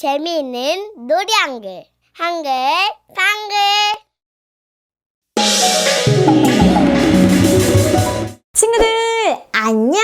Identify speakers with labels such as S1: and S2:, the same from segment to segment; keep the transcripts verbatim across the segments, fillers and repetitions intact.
S1: 재미있는 놀이 한글, 한글, 한글.
S2: 친구들 안녕.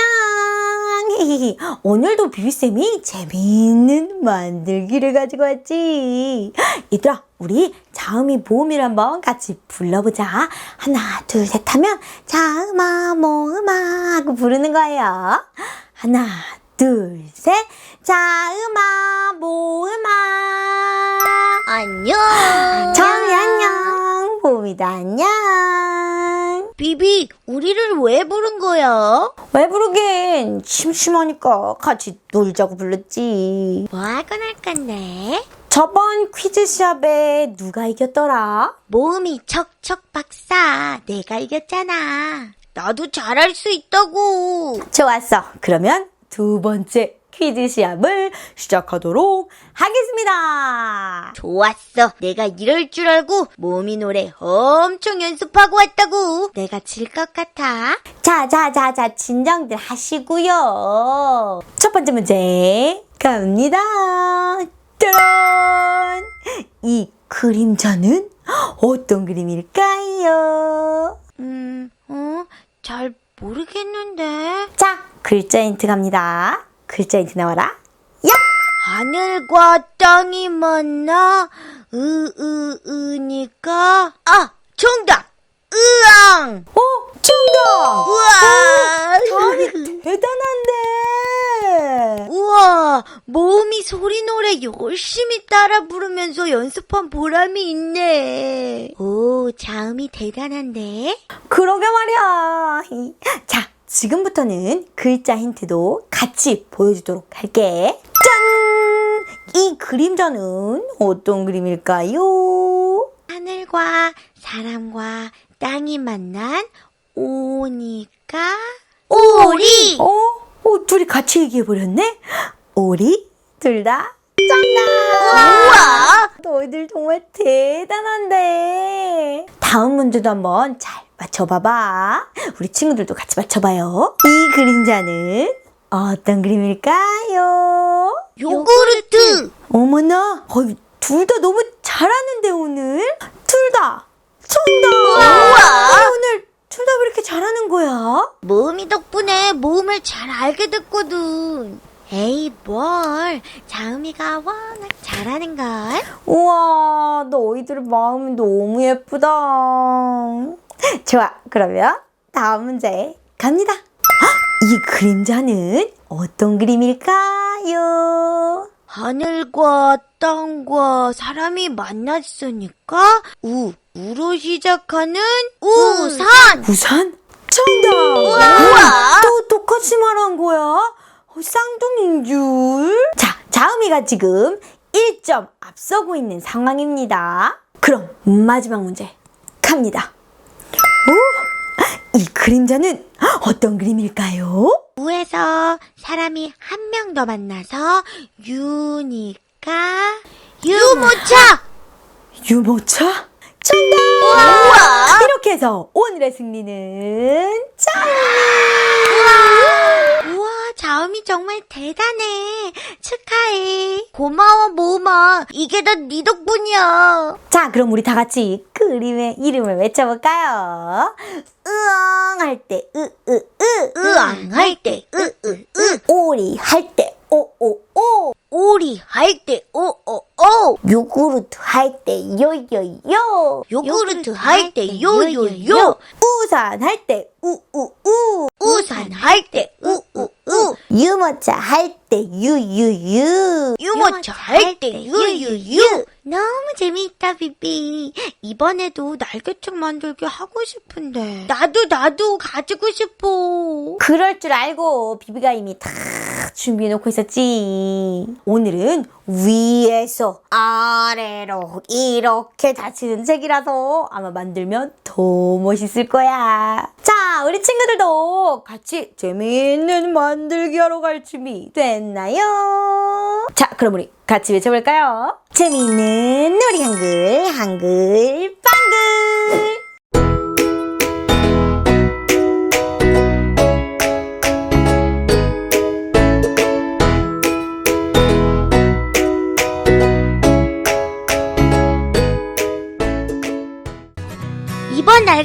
S2: 오늘도 비비쌤이 재미있는 만들기를 가지고 왔지. 얘들아, 우리 자음이 모음이를 한번 같이 불러보자. 하나 둘 셋 하면 자음아 모음아 하고 부르는 거예요. 하나 둘 셋 자음아 모음아.
S1: 안녕.
S2: 정이 안녕. 모음이도 안녕.
S1: 비비, 우리를 왜 부른 거야?
S2: 왜 부르긴? 심심하니까 같이 놀자고 불렀지.
S1: 뭐 하고 놀 건데?
S2: 저번 퀴즈 시합에 누가 이겼더라?
S1: 모음이 척척 박사, 내가 이겼잖아. 나도 잘할 수 있다고.
S2: 좋았어. 그러면 두 번째 퀴즈 시합을 시작하도록 하겠습니다.
S1: 좋았어. 내가 이럴 줄 알고 모음이 노래 엄청 연습하고 왔다고. 내가 질 것 같아.
S2: 자, 자, 자, 자, 진정들 하시고요. 첫 번째 문제 갑니다. 짜란! 이 그림자는 어떤 그림일까요?
S1: 음, 어? 잘 모르겠는데.
S2: 자, 글자 힌트 갑니다. 글자 힌트 나와라. 야!
S1: 하늘과 땅이 만나 으, 으, 으니까 아! 정답! 으앙!
S2: 어? 정답!
S1: 우와!
S2: 다음이 대단한데!
S1: 우와! 모음이 소리 노래 열심히 따라 부르면서 연습한 보람이 있네. 오, 자음이 대단한데?
S2: 그러게 말이야. 자, 지금부터는 글자 힌트도 같이 보여주도록 할게. 짠! 이 그림자는 어떤 그림일까요?
S1: 하늘과 사람과 땅이 만난 오니까 오리!
S2: 어? 어, 둘이 같이 얘기해버렸네? 오리? 둘 다 정답!
S1: 우와!
S2: 너희들 정말 대단한데. 다음 문제도 한번 잘 맞춰봐봐. 우리 친구들도 같이 맞춰봐요. 이 그림자는 어떤 그림일까요?
S1: 요구르트!
S2: 어머나, 둘 다 너무 잘하는데 오늘? 둘 다 정답!
S1: 우와!
S2: 아니, 오늘 둘 다 왜 이렇게 잘하는 거야?
S1: 모음이 덕분에 모음을 잘 알게 됐거든. 에이, 뭘. 자음이가 워낙 잘하는걸.
S2: 우와, 너희들 마음이 너무 예쁘다. 좋아, 그러면 다음 문제 갑니다. 헉, 이 그림자는 어떤 그림일까요?
S1: 하늘과 땅과 사람이 만났으니까 우, 우로 시작하는 우산.
S2: 우산? 정답!
S1: 우와!
S2: 또 똑같이 말한 거야? 어, 쌍둥이인 줄? 자, 자음이가 지금 일 점 앞서고 있는 상황입니다. 그럼 마지막 문제 갑니다. 오, 이 그림자는 어떤 그림일까요?
S1: 우에서 사람이 한 명 더 만나서 유니까 유모차.
S2: 유모차? 정답!
S1: 우와!
S2: 이렇게 해서 오늘의 승리는 자음이!
S1: 우와, 자음이 정말 대단해. 축하해. 고마워, 모음아. 이게 다 네 덕분이야.
S2: 자, 그럼 우리 다 같이 그림의 이름을 외쳐볼까요? 으엉 할 때 으, 으, 으.
S1: 으앙 할 때 으, 으, 으.
S2: 오리 할 때 오, 오, 오.
S1: 오리 할 때 오, 오, 오.
S2: 요구르트 할 때 요, 요, 요.
S1: 요구르트 할 때 요, 요, 요.
S2: 우산 할 때 우, 우, 우.
S1: 우산 할 때 우, 우, 우.
S2: 유모차 할 때 유, 유, 유.
S1: 유모차 할 때 유, 유, 유. 너무 재미있다, 비비. 이번에도 날개책 만들기 하고 싶은데. 나도, 나도 가지고 싶어.
S2: 그럴 줄 알고 비비가 이미 다 준비해놓고 있었지. 오늘은 위에서 아래로 이렇게 닫히는 책이라서 아마 만들면 더 멋있을 거야. 자, 우리 친구들도 같이 재미있는 만들기 하러 갈 준비 됐나요? 자, 그럼 우리 같이 외쳐볼까요? 재미있는 놀이 한글, 한글, 빵글!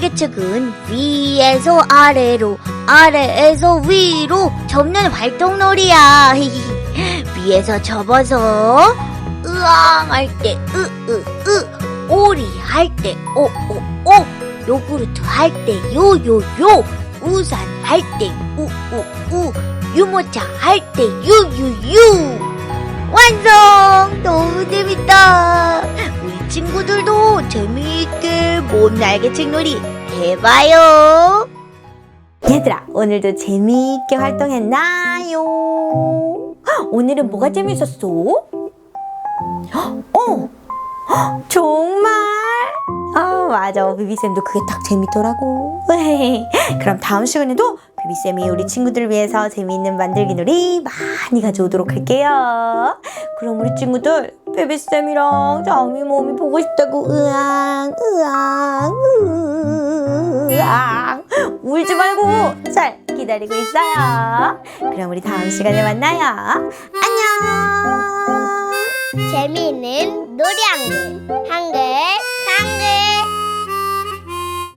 S1: 날개책은 위에서 아래로, 아래에서 위로 접는 활동놀이야. 위에서 접어서 으앙 할 때 으으으, 오리 할 때 오오오, 요구르트 할 때 요요요, 우산 할 때 우우우, 유모차 할 때 유유유. 완성! 너무 재밌다. 우리 친구들도 재미있게 몸 날개책 놀이 해봐요.
S2: 얘들아, 오늘도 재미있게 활동했나요? 오늘은 뭐가 재밌었어? 어, 정말? 아, 맞아. 비비쌤도 그게 딱 재밌더라고. 그럼 다음 시간에도 비비쌤이 우리 친구들을 위해서 재미있는 만들기 놀이 많이 가져오도록 할게요. 그럼 우리 친구들, 비비쌤이랑 장미 몸이 보고 싶다고 으앙, 으앙, 으앙 울지 말고 잘 기다리고 있어요. 그럼 우리 다음 시간에 만나요. 안녕.
S3: 재미있는 놀이 한글 한글 한글